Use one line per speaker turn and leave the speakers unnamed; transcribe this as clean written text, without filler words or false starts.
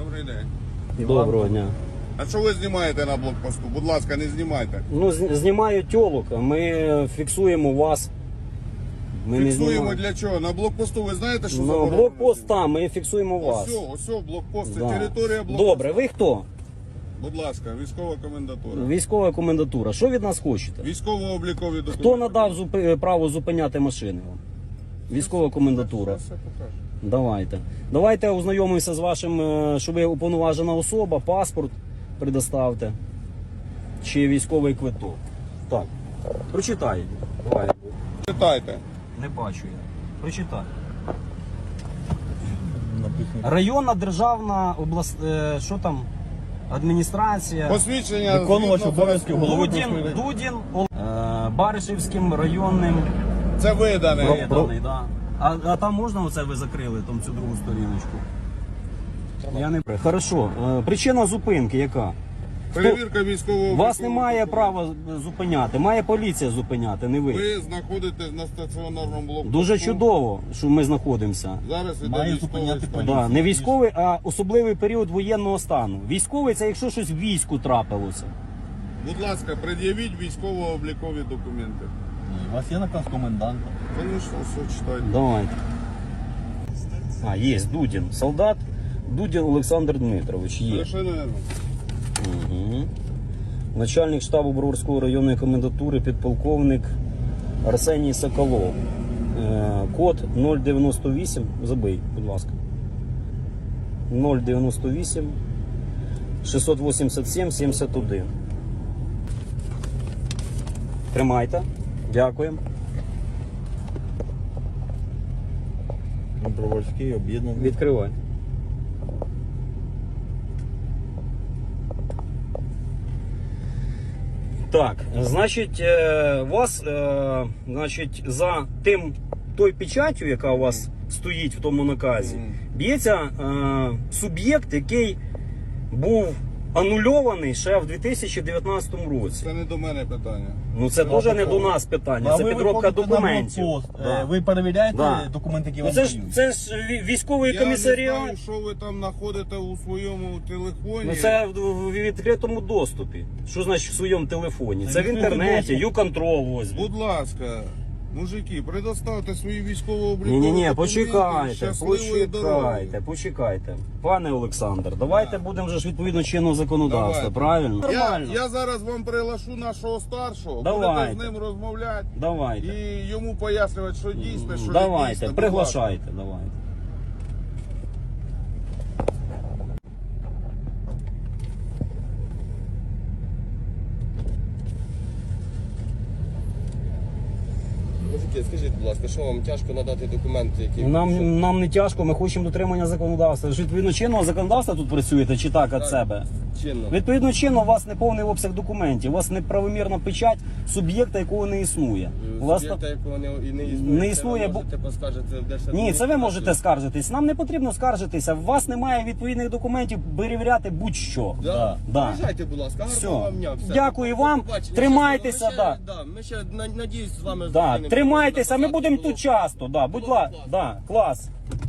Добрий день.
Доброго дня.
А що ви знімаєте на блокпосту? Будь ласка, не знімайте.
Ну, знімаю тьолок, а ми фіксуємо вас. Ми не
Фіксуємо
знімаємо.
для чого? На блокпосту ви знаєте, що
Ну,
заборонено?
блокпост там, ми фіксуємо вас.
Ось блокпост, це
Да.
територія блокпосту.
Добре, ви хто?
Будь ласка, військова комендатура.
Військова комендатура. Що від нас хочете?
Військово-облікові документи.
Хто надав право зупиняти машини вам? Військова комендатура.
Все покажу.
Давайте ознайомимося з вашим, що ви уповноважена особа, паспорт предоставте. Чи військовий квиток. Так. Прочитай. Давай.
Читайте.
Не бачу я. Прочитай. Районна державна що там? Адміністрація.
Посвідчення.
Виконувач
згідно
обов'язків голови
Дудін, Баришівським районним
Це видане.
виданий, да. А там можна оце ви закрили, там цю другу сторіночку? Я не... Хорошо. Причина зупинки яка?
Перевірка військового.
Вас немає права зупиняти, має поліція зупиняти, не ви.
Ви знаходитесь на стаціонарному блокпосту.
Дуже чудово, що ми знаходимося.
Зараз іде
Має
військовий
зупиняти
стан.
Да, не військовий, а особливий період воєнного стану. Військовий це якщо щось в війську трапилося.
Будь ласка, пред'явіть військово-облікові документи.
У вас є наказ коменданта.
Звісно, все читайте.
Давайте. Є Дудін. Солдат Дудін Олександр Дмитрович. Є.
Совершенно верно.
Угу. Начальник штабу Броварської районної комендатури, підполковник Арсеній Соколов. Код 098. Забий, будь ласка. 098 687 71. Тримайте. Дякуємо.
Броварський об'єднаний.
Відкривай. Так, значить, вас, значить, за той печаттю, яка у вас стоїть в тому наказі, б'ється суб'єкт, який був анульований ще в 2019 році.
Це не до мене питання.
Ну це теж не до нас питання, це підробка документів. Да.
Ви перевіряєте
Да.
документи, які
Ну,
вам дають?
це ж військовий
Я не
комісаріат.
знаю, що ви там знаходите у своєму телефоні.
Ну це в відкритому доступі. Що значить в своєму телефоні? Це в інтернеті, YouControl ось.
Будь ласка, мужики, предоставте свої військово-облікові
Ні,
документи.
почекайте,
Щасливої дороги.
почекайте. Пане Олександр, давайте будемо вже ж відповідно чинного законодавства,
Давайте.
правильно? Нормально.
Я зараз вам приглашу нашого старшого,
Давайте.
будете з ним розмовляти
Давайте.
і йому пояснювати, що дійсно, що не
Давайте,
дійсно. Будь
приглашайте, давайте.
Мужики, скажіть, будь ласка, що вам тяжко надати документи, які...
Нам не тяжко, ми хочемо дотримання законодавства. Ви ж відповідно чинного законодавства тут працюєте чи так від себе?
чинно?
Відповідно чинно, у вас не повний обсяг документів, у вас неправомірна печать суб'єкта, якого не існує. У вас
Суб'єкта, якого і не існує,
Не існує,
це
бо-
ви можете поскаржити в Держадміністрацію.
Ні, це ви можете скаржитись. Нам не потрібно скаржитися. У вас немає відповідних документів перевіряти будь-що.
Да?
Да.
Приїжджайте, будь ласка,
Все.
гарного вам дня. Все.
Дякую
До
вам.
побачення.
Тримайтеся,
Щасливо.
да.
Ми ще надіюсь з вами
Да.
зустрінемося.
Тримайтеся, ми
Завтра
будемо
було-
тут часто. Да. Будь
було
ласка,
класно.
да. Клас.